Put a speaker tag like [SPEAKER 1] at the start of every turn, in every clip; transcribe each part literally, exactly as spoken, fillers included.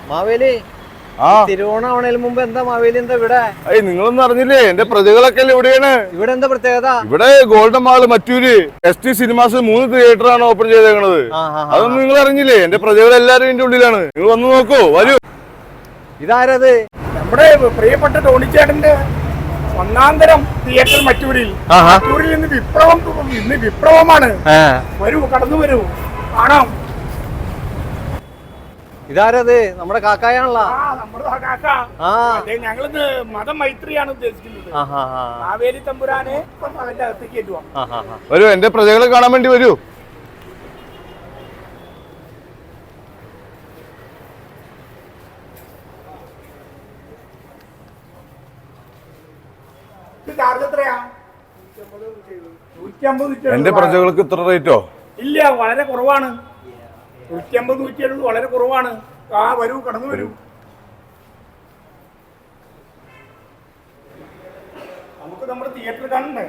[SPEAKER 1] മാവേലി തിരുവോണാവണേൽ മുമ്പ് എന്താ മാവേലി എന്താ ഇവിടെ?
[SPEAKER 2] അയ്യ നിങ്ങളൊന്നും അറിഞ്ഞില്ലേ? എന്റെ പ്രതികളൊക്കെ ഇവിടെയാണ്.
[SPEAKER 1] ഇവിടെ എന്താ പ്രത്യേകത?
[SPEAKER 2] ഇവിടെ Golden Mall Mattoor S T Cinemas മൂന്ന് തിയേറ്റർ ആണ് ഓപ്പൺ ചെയ്തേക്കണത്. അതൊന്നും നിങ്ങൾ അറിഞ്ഞില്ലേ? എന്റെ പ്രതികൾ എല്ലാരും ഇതിന്റെ ഉള്ളിലാണ്. നിങ്ങൾ വന്ന് നോക്കൂ, വരൂ.
[SPEAKER 1] ഇതാരത്?
[SPEAKER 3] നമ്മുടെ പ്രിയപ്പെട്ട ടോണിച്ചേട്ടന്റെ ഒന്നാം തരം തിയേറ്റർ മറ്റൂരിൽ. മറ്റൂരിൽ ഇന്ന് വിപ്ലവം, ഇന്ന് വിപ്ലവമാണ്. വരൂ, കടന്നു വരൂ, കാണാം.
[SPEAKER 1] ഇതാരത്? നമ്മുടെ കാക്കായാണല്ലോ.
[SPEAKER 3] ഞങ്ങളിന്ന് മതമൈത്രിയാണ് ഉദ്ദേശിക്കുന്നത്. മാവേലി തമ്പുരാനെ അതിന്റെ അകത്തേക്ക് കയറ്റുവാ.
[SPEAKER 2] വരൂ, എന്റെ പ്രജകളെ കാണാൻ വേണ്ടി വരൂ. എന്റെ പ്രജകൾക്ക് ഇത്ര റേറ്റോ?
[SPEAKER 3] ഇല്ല, വളരെ കുറവാണ്. നൂറ്റി അമ്പത് നൂറ്റി എഴുപത് വളരെ കുറവാണ്. ആ വരൂ, കടന്നു വരൂ. നമുക്ക് നമ്മുടെ തിയേറ്റർ കാണണ്ടേ?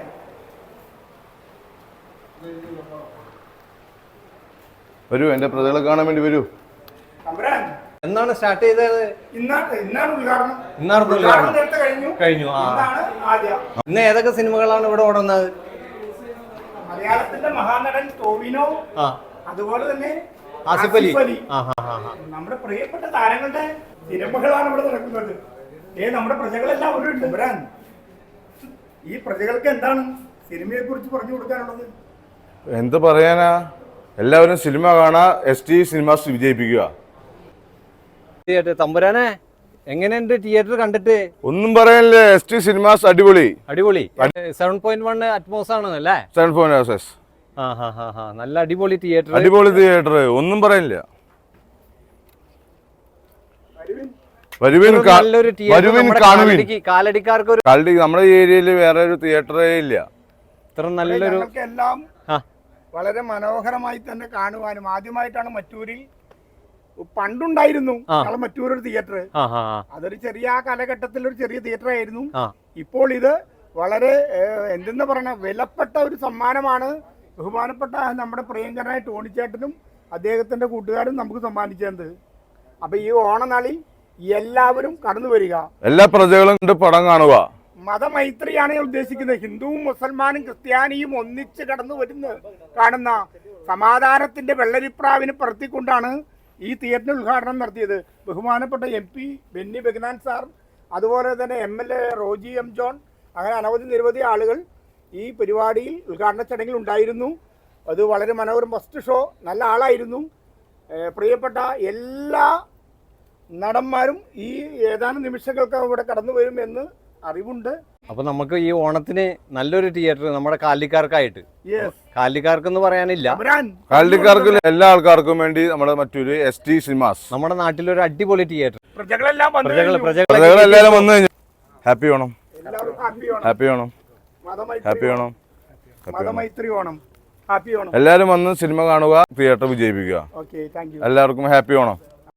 [SPEAKER 2] വരൂ, എന്റെ പ്രജകളെ കാണാൻ വേണ്ടി വരൂ.
[SPEAKER 1] എന്നാണ് സ്റ്റാർട്ട് ചെയ്തത്?
[SPEAKER 3] ഇന്നാണ് ഇന്നാണ് ഉദ്ഘാടനം.
[SPEAKER 1] ഇന്നാണ് ഉദ്ഘാടനം
[SPEAKER 3] കഴിഞ്ഞു
[SPEAKER 1] കഴിഞ്ഞു ഇന്ന് ഏതൊക്കെ സിനിമകളാണ് ഇവിടെ ഓടുന്നത്?
[SPEAKER 3] മലയാളത്തിന്റെ മഹാനടൻ ടോവിനോ, അതുപോലെ തന്നെ
[SPEAKER 1] ആസിഫ് അലി,
[SPEAKER 3] നമ്മുടെ പ്രിയപ്പെട്ട താരങ്ങളുടെ സിനിമകളാണ് ഇവിടെ നടക്കുന്നത്. ഏ നമ്മുടെ പ്രജകളെല്ലാം ഒരു ഉണ്ട്. വരാൻ ഈ പ്രജകൾക്ക് എന്താണ് സിനിമയെ കുറിച്ച് പറഞ്ഞു കൊടുക്കാനുള്ളത്?
[SPEAKER 2] എന്ത് പറയാനാ, എല്ലാവരും സിനിമ കാണാ, എസ് ടി സിനിമാസ് വിജയിപ്പിക്കുക.
[SPEAKER 1] തമ്പുരാനെ, എങ്ങനെയുണ്ട് തിയേറ്റർ കണ്ടിട്ട്?
[SPEAKER 2] ഒന്നും പറയാനില്ലേ, എസ് ടി സിനിമാസ് അടിപൊളി
[SPEAKER 1] അടിപൊളി. സെവൻ പോയിന്റ് വൺ അറ്റ്മോസ് ആണ് അല്ലേ?
[SPEAKER 2] സെവൻ പോയിന്റ്
[SPEAKER 1] നല്ല അടിപൊളി തിയേറ്റർ,
[SPEAKER 2] അടിപൊളി തിയേറ്റർ, ഒന്നും പറയാനില്ല.
[SPEAKER 1] കാലടിക്കാർക്ക്
[SPEAKER 2] നമ്മുടെ ഏരിയയിൽ വേറെ ഒരു തിയേറ്ററേ ഇല്ല.
[SPEAKER 1] ഇത്ര നല്ലൊരു
[SPEAKER 3] എല്ലാം വളരെ മനോഹരമായി തന്നെ കാണുവാനും. ആദ്യമായിട്ടാണ് മറ്റൂരിൽ, പണ്ടുണ്ടായിരുന്നു മറ്റൂർ ഒരു തിയേറ്റർ. അതൊരു ചെറിയ കാലഘട്ടത്തിൽ ഒരു ചെറിയ തിയേറ്റർ ആയിരുന്നു. ഇപ്പോൾ ഇത് വളരെ എന്തെന്ന് പറയണ വിലപ്പെട്ട ഒരു സമ്മാനമാണ് ബഹുമാനപ്പെട്ട നമ്മുടെ പ്രിയങ്കരനായ ടോണിച്ചേട്ടനും അദ്ദേഹത്തിന്റെ കൂട്ടുകാരും നമുക്ക് സമ്മാനിച്ചത്. അപ്പൊ ഈ ഓണനാളിൽ എല്ലാവരും കടന്നു വരിക,
[SPEAKER 2] എല്ലാ പ്രജകളും പടം കാണുക.
[SPEAKER 3] മതമൈത്രിയാണ് ഞാൻ ഉദ്ദേശിക്കുന്നത്. ഹിന്ദുവും മുസൽമാനും ക്രിസ്ത്യാനിയും ഒന്നിച്ച് കടന്നു വരുന്ന കാണുന്ന സമാധാനത്തിന്റെ വെള്ളരിപ്രാവിനെ പറത്തിക്കൊണ്ടാണ് ഈ തിയേറ്ററിന് ഉദ്ഘാടനം നടത്തിയത്. ബഹുമാനപ്പെട്ട M P Benny Behanan sir, അതുപോലെ തന്നെ M L A Roji M John, അങ്ങനെ അനവധി നിരവധി ആളുകൾ ഈ പരിപാടിയിൽ ഉദ്ഘാടന ചടങ്ങിൽ ഉണ്ടായിരുന്നു. അത് വളരെ മനോഹരം, ഫസ്റ്റ് ഷോ നല്ല ആളായിരുന്നു. പ്രിയപ്പെട്ട എല്ലാ നടന്മാരും ഈ ഏതാനും നിമിഷങ്ങൾക്ക് ഇവിടെ കടന്നു വരുമെന്ന് അറിവുണ്ട്.
[SPEAKER 1] അപ്പൊ നമുക്ക് ഈ ഓണത്തിന് നല്ലൊരു തിയേറ്റർ നമ്മുടെ കാലിക്കാർക്കായിട്ട്, കാലിക്കാർക്കെന്ന് പറയാനില്ല,
[SPEAKER 2] കാലിക്കാർക്ക് എല്ലാ ആൾക്കാർക്കും വേണ്ടി നമ്മുടെ മറ്റൊരു എസ് ടി സിനിമാസ്,
[SPEAKER 1] നമ്മുടെ നാട്ടിലൊരു അടിപൊളി തിയേറ്റർ.
[SPEAKER 3] പ്രജകളെല്ലാം
[SPEAKER 2] പ്രജകളെല്ലാരും വന്നു കഴിഞ്ഞു. Happy Onam, happy Onam, happy Onam,
[SPEAKER 3] മതമൈത്രി ഓണം, ഹാപ്പി ഓണം.
[SPEAKER 2] എല്ലാരും വന്ന് സിനിമ കാണുക, തിയേറ്റർ വിജയിപ്പിക്കുക. എല്ലാവർക്കും ഹാപ്പി ഓണം.